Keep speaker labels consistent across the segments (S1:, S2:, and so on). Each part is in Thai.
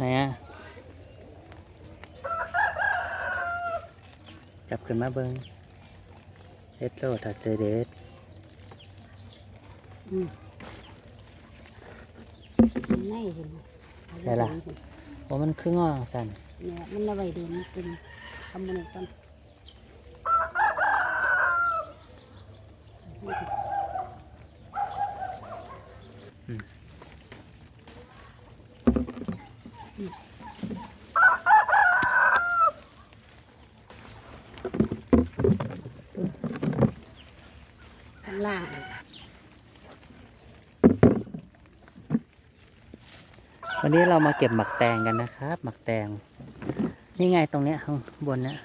S1: ไหนอะจับขึ้นมาเบิ้งเฮ็ดโลถัดเจเดส
S2: ไม่เห็น
S1: ใช่ละเพราะมันคืองอสั่น
S2: เนี่ยมันระบายเดินเป็นทำมันก่อนข้างล่าง
S1: วันนี้เรามาเก็บหมักแตงกันนะครับหมักแตงนี่ไงตรงเนี้ยข้างบนเนี้ย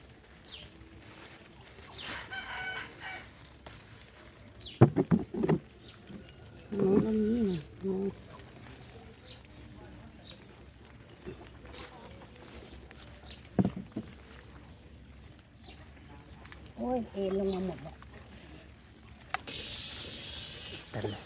S2: น้องอันนี้นะน้องโอ้ยเอ็นลงมาหมดแล้ว
S1: แต่เลย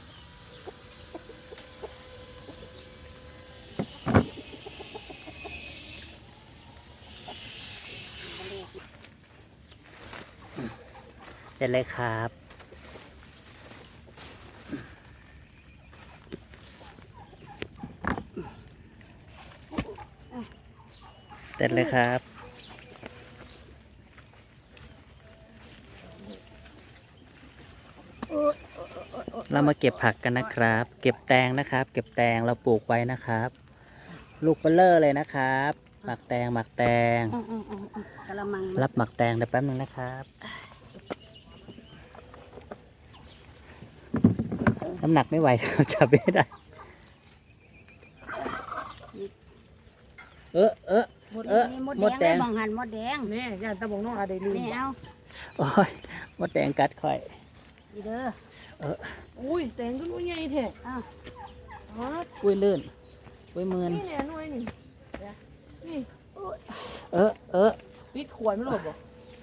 S1: เด็ดเลยครับเด็ดเลยครับเรามาเก็บผักกันนะครับเก็บแตงนะครับเก็บแตงเราปลูกไว้นะครับลูกเบลเลอร์เลยนะครับหมักแตงหมักแตง
S2: กะละมัง
S1: รับหมักแตงเดี๋ยวแป๊บนึงนะครับน้ำหนักไม่ไหวเขาจับไม่ได้
S2: มดแดงบางหันมดแดง
S3: นี่ยาตะบงน้องอะไรลืม
S2: นี่เอา
S1: โอ้ยมดแดงกัดค่อย
S2: ดีเด้อ
S3: อุ้ยแตงก็นุ่ยใหญ่แท้
S2: อ้าว
S1: อุ้ยลื่นอุ้ยมืน
S3: นี่เนี่ยนุ่ยนี่นี่ปิดขวดไม่หลบบ่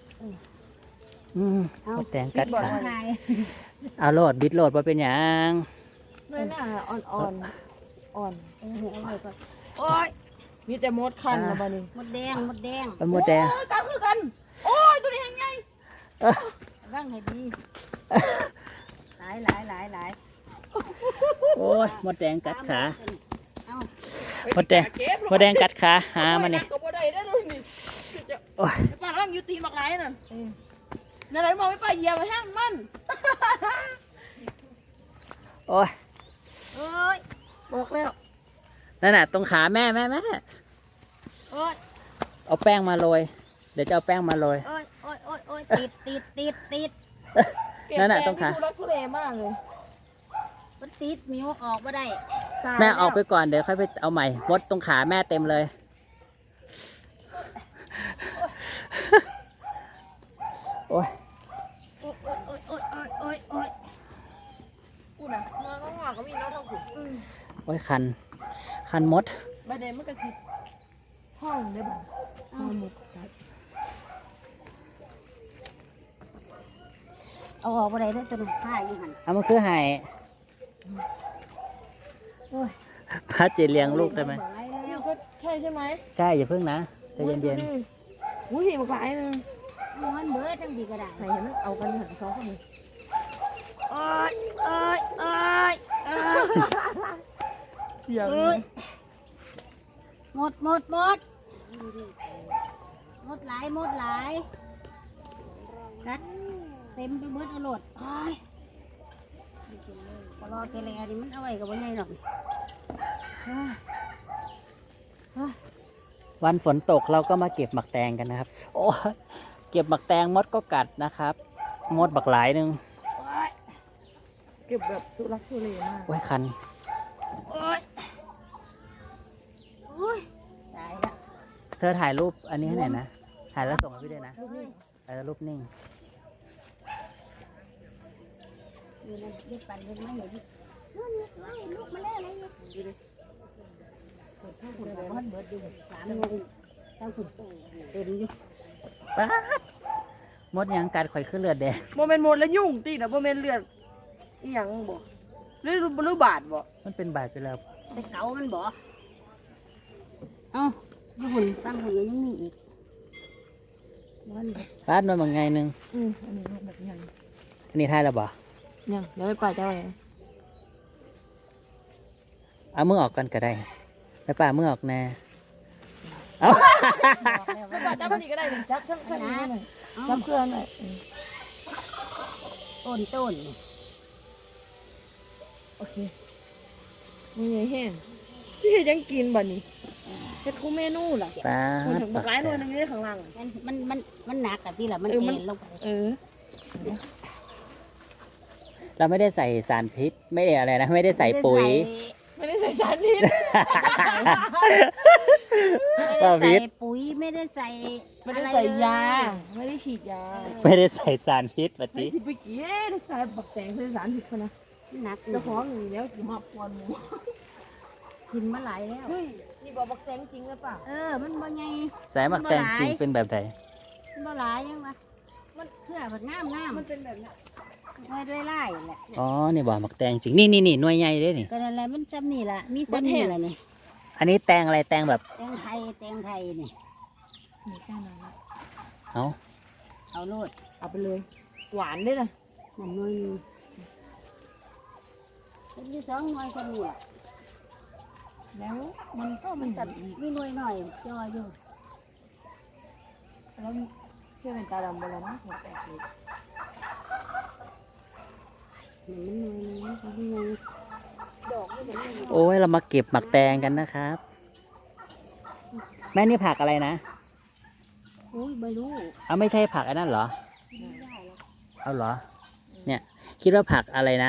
S1: มดแดงกัดขาเอาโหลดบิดโหลดว่าเป็นอย่าง
S3: นุ่ยหน้าอ่อน
S2: เอาไว้ก่อน
S3: โอ้ยมีแต่มดคันนะบ้านี้
S2: มดแดง
S1: มดแดง
S3: กันคือกันโอ้ยตัวนี้ยังไง
S2: ว่างให้ดีหลาย
S1: โอ้ยมดแดงกัดขามดแดงกัดขาหามาเนี่ย
S3: โอ้ยป้าร่างยูตีนบักไรนั่นนั่นไหนมองไม่ป้าเหยียบไปห้างมัน
S1: โอ้ย
S3: บอกแล้ว
S1: นั่นน่ะตรงขาแม่เอาแป้งมาโรยเดี๋ยวจะเอาแป้งมาโรย
S2: ติด
S1: นั่นน่ะตรงขา
S3: รักทุเรศมากเลย
S2: มันติดมิวออกมาได้
S1: แม่ออกไปก่อนเดี๋ยวค่อยไปเอาใหม่มดตรงขาแม่เต็มเลยโอ้ย
S3: กูน่ะน้องหงอกก็มีน้องทองขุ่น
S1: โอ้ยคันมด
S3: ใบเดนมันกระสิบห้องได้บ่ห้องหมด
S2: เอาออกมาได้ด้วยตัวผ้าอยู่หัน
S1: เอามาคือไห้พระเจเลี้ยงลูกได้ไหม
S3: ใช่ใช่ไหม
S1: ใช่อย่าเพิ่งนะใจเย็น
S3: ๆอุ้ยมาหลายนึง
S2: ม้วนเบิร์ดจังดีก็ได้
S3: ไหนเห็นไหมเอากันหันสองคนนี้เสียง
S2: หมดหลายกัดเต็มไปเบิร์ดเอาโหลดพอรอเกลียดิมันเอาไว้กับวันไหนหรอก
S1: วันฝนตกเราก็มาเก็บหมักแตงกันนะครับโอ้เก็บหมักแตงมดก็กัดนะครับมดบักหลายนึง
S3: เก็บแบบทุลักทุเลมาก
S1: ไว้คัน
S2: ตายละ
S1: เธอถ่ายรูปอันนี้ให้หน่อยนะถ่ายแล้วส่งให้พี่ด้วยนะรูปนิ่ง
S2: นี่ปั่นยังไม่เห็นลูกมาแล้วอะไรเนี่ยดูดิมันเบิดดู3 โมงตั้งขุ่นเต็มอยู่
S1: ป๊ามดยังกัดข่อยขึ้นเลือดแดง
S3: โมเมนต์หมดแล้วยุ่งตีนะโมเมนต์เลือดอีหยังบ่หรือบาดบ่
S1: มันเป็นบาดไปแล้ว
S2: ไปเกามันบ่เอ้าญี่ปุ่นตั้งหุ่นยังมีอีกวัน
S1: ปาดมาบางไงนึง
S3: อันนี้แบบยัง
S1: อันนี้ทายแล้วบ่
S3: ยังเดี๋ยวไปป่าเจ้าเอง
S1: เอามือออกก่อนก็ได้แม่ป้ามือออกแน่เอา
S3: ป่าเจ้าคนนี้ก็ได้เลยจับจับจับนี่หน่อยจับเครื่องหน่อย
S2: ต้น
S3: โอเคมีไงแห้งที่เฮ็ดยังกินบ่นี่เฮ็ดคู่เมนูล่ะ
S1: ปา
S3: มัน
S1: ด
S3: ถึงบักหลายหน่วยนึงอยู่ในข้างล่าง
S2: มันหนักอะที่ละมัน
S3: เออ
S2: เอ็
S3: มัน
S2: นลงไป
S3: เออ
S1: เราไม่ได้ใส่สารพิษไม่ได้อะไรนะไม่ได้ใส่ปุ๋ย
S3: ไม่ได้ใส่สารพิษ
S2: ไม่ได้ใส่ปุ๋ยไม่ได้ใส่
S3: ไม่ได้ใส่ยาไม่ได้ฉีดยา
S1: ไม่ได้ใส่สารพิษป
S3: ไม่
S1: ฏิ
S3: สิไปเกี้ได้ใส่บักแตงใส่สารพิษเขานะ
S2: หนัก
S3: เจ้าของอยู่แล้วสิมาปวนหมู
S2: กินมาหลายแล้ว
S3: เฮ้ยนี่บอกบักแตงจริงหรือเปล่า
S2: มันบ่ไง
S1: ใส่หมักแตงจริงเป็นแบบไหน
S2: มันบ่หลายยังวะมันเพื่อผักน้ำ
S3: มันเป็นแบบนี้
S2: ไม่ได้ไล่แหละ
S1: อ๋อนี่บ่หมักแตงจริงนี่หน่วยใหญ่เด้นี่
S2: ก็นั่นแหละมันจำนี่ละมีซ้ำนี่ละนี่
S1: อันนี้แตงอะไรแตงแบบ
S2: แตงไทยนี่
S3: นี่แค่นั้น
S1: เอา
S2: เอาโลด
S3: เอาไปเลย หวานด้วยนะ
S2: นั่นหน่อยหนึงเป็นที่2 หน่วยซ้ำนี่ละ
S3: แล้วมันก็
S2: มันตัดมีหน่วยหน่อยจออยู่
S3: แล้วเชื่อเป็นตาดำไปแล้วนะหัวแตกเลย
S2: มันหน่วยหนึงมันหน่วย
S3: ดอกไม่เหมือน
S1: โอ้ยเรามาเก็บหมักแตงกันนะครับ แม่นี่ผักอะไรนะ
S2: อุ้ยไม่รู้
S1: เอาไม่ใช่ผักอันนั้นเหรอ
S2: ไม่ได้หรอก
S1: เอาเหรอ เนี่ย คิดว่าผักอะไรนะ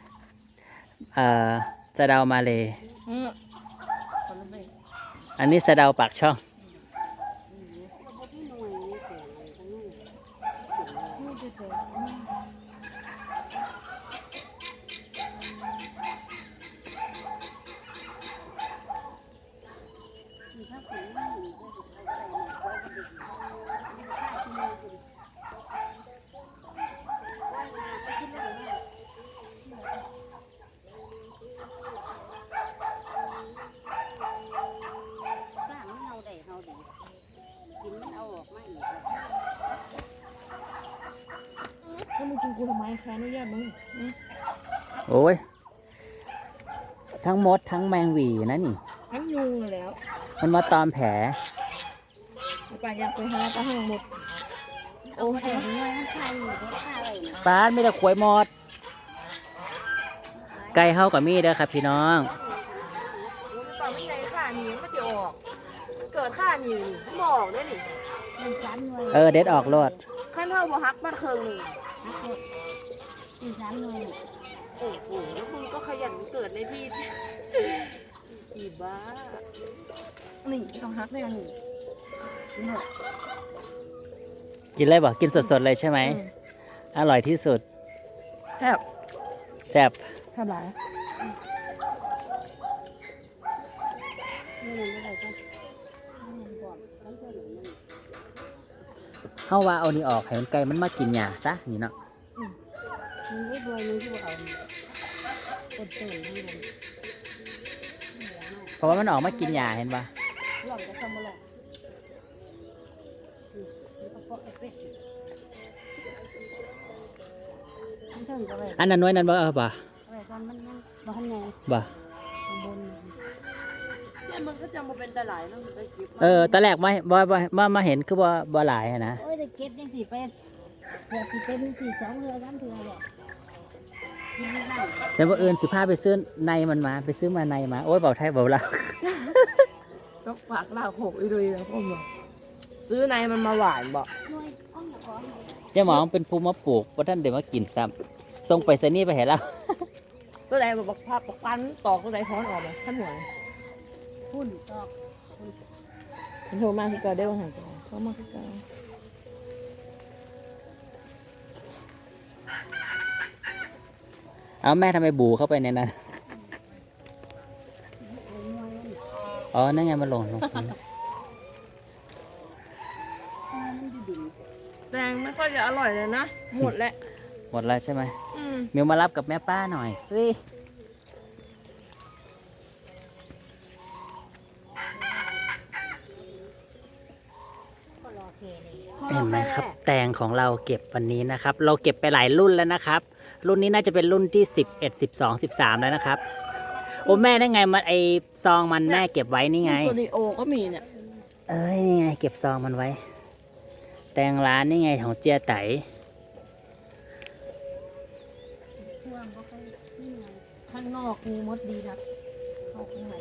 S1: สะเดามาเลย
S3: คนละเบง
S1: อันนี้สะเดาปากช่อง
S2: เอาไปที่หน่วยนี่เสียเลยทั้งนั้น
S3: ไม่จะเจอ
S2: มีข้าวปุ๋ยมีข้าวปุ๋ยข้าวที่มือกูดิว่ายน้ำไปที่ไหนเนี่ยบ้านมันเอาได้เอาดีกินมันเอาออกมาอีกแล้ว
S3: แล้วมึงกินกูทำไมแค่อนุญาตมึง
S1: โอ้ย ทั้งมดทั้งแมงหวีนะนี่
S3: ทั้งยุงเลยแล้ว
S1: มันมาตอมแผล
S3: ป่าอยากไปหาปลาหางหมด
S2: เอาไปได้หน่วยมันคายอยู่เด็ดข้าอะไรเนี่ย
S1: ปาดไม่ได้ขวยหมด ไก่เฮากับมีเด้อครับพี่น้อง
S3: ป่าไม่ใช่ข่านี่มันจะออก เกิดข่านี่มันบอกได้นี่
S2: มัน3 หน่วย
S1: เด็ดออกโลด
S3: ขั้นเท่าบ่ฮักบ้านเคิงหนึ่ง
S2: หักหมดมี3 หน่วย
S3: โอ้โหแล้วมึงก็ขยันเกิดในที่อีบ้า นี่ต้องฮักแน่นี่หมด
S1: กินเลยบอกกินสดๆเลยใช่ไหม อร่อยที่สุด
S3: แทบ
S1: แซ่บ
S3: แทบหลาย
S2: นี่มันอะไรกันมันบอกมันจะหนุนมัน
S1: เฮาว่าเอานี่ออกให้มันไก่มันมากินหญ้าซะนี่เนาะ
S2: มันไม่รวยมันที่ว่าเอาต้นทั้งนั้น
S1: เพราะว่ามันออกมากินหญ้าเห็นปะ
S2: หล่อนจะทำอะไรมันก็เกาะเป็ดมันถึงก็ไป
S1: อันนั้นน้อยนั้นบ่เอาบ่
S2: ไปตอนมันบ้านไง
S1: บ่
S2: ข้างบน
S3: เนี่ยมันก็จะมาเป็นตะไหลแล้วมันก็คิด
S1: ตอนแรกมาเห็นคือบ่หลายอะนะ
S2: โอ้ยได้เก็บยังสิไปเผื่อสิเป็น4 2 เทื่อ3 เทื่อเลยกินไม่ได้
S1: แต่ว่าอื่นสิพาไปซื้อในมันมาไปซื้อมาในมาโอ้ยเบาไทยเบาลาว
S3: ก็ฝากลากหกอีดุยแล้วพ่อบอกซื้อในมันมาหวานบอก
S2: หน่วยอ้อมก่อน
S1: เจ้าหมองเป็นภูมิมาปลูกว่าท่านเดี๋ยวมากินซ้ำส่งไปซนี่ไปเห็นแล้ว
S3: ตัวไหนบอกภาพปันตอกตัวไหนท้อนออกมาขั้นหัว
S2: พุ่นตอก
S3: มันโทรมาคือเกาได้ว่าหางตัวเขามาคือเกา
S1: เอาแม่ทำไมบูเข้าไปในนั้น
S2: หน่วยมัน
S1: อ๋อ นั่นไงมันหล่นลงพื้น
S2: มันอยู่ดิ่ง
S3: แดงไม่ค่อยจะอร่อยเลยนะ หมดแล้ว
S1: หมดแล้วใช่ไหม
S3: อืม
S1: มิวมารับกับแม่ป้าหน่อยสิห็นไหมครับ แตงของเราเก็บวันนี้นะครับ เราเก็บไปหลายรุ่นแล้วนะครับ รุ่นนี้น่าจะเป็นรุ่นที่11 12 13แล้วนะครับโอ้แม่ได้ไงมันไอซองมันแม่เก็บไว้นี่ไง
S3: ตัวดีโอก็มีเนี่ย
S1: เอ้ยนี่ไงเก็บซองมันไว้ แตงร้านนี่ไงของเจียไต
S2: ช่วงก็ค่อยนี่ไง
S3: ข้างนอกมีมดดีนะเข้าข้างใน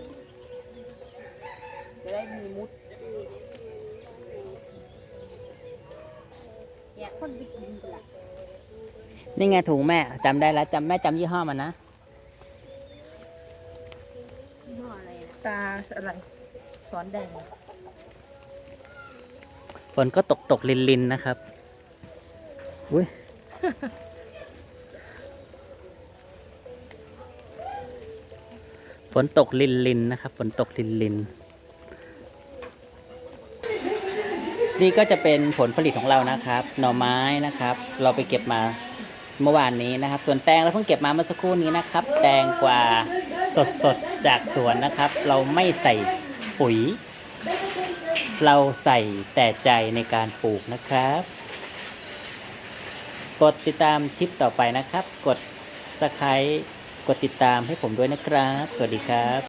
S3: จะได้มีมุด
S2: แยกคนไปกินกันละ
S1: นี่ไงถุงแม่จำได้แล้วแม่จำยี่ห้อมันนะ
S2: ยี่ห้ออะไรนะ
S3: ตาอะไรสอนแดง
S1: ฝนก็ตกลินนะครับอุ้ย ฝนตกลินนะครับ ฝนตกลินนี่ก็จะเป็นผลผลิตของเรานะครับ หน่อไม้นะครับ เราไปเก็บมาเมื่อวานนี้นะครับ ส่วนแตงเราเพิ่งเก็บมาเมื่อสักครู่นี้นะครับ แตงกวาสดๆจากสวนนะครับ เราไม่ใส่ปุ๋ย เราใส่แต่ใจในการปลูกนะครับ กดติดตามคลิปต่อไปนะครับ กด Subscribe กดติดตามให้ผมด้วยนะครับ สวัสดีครับ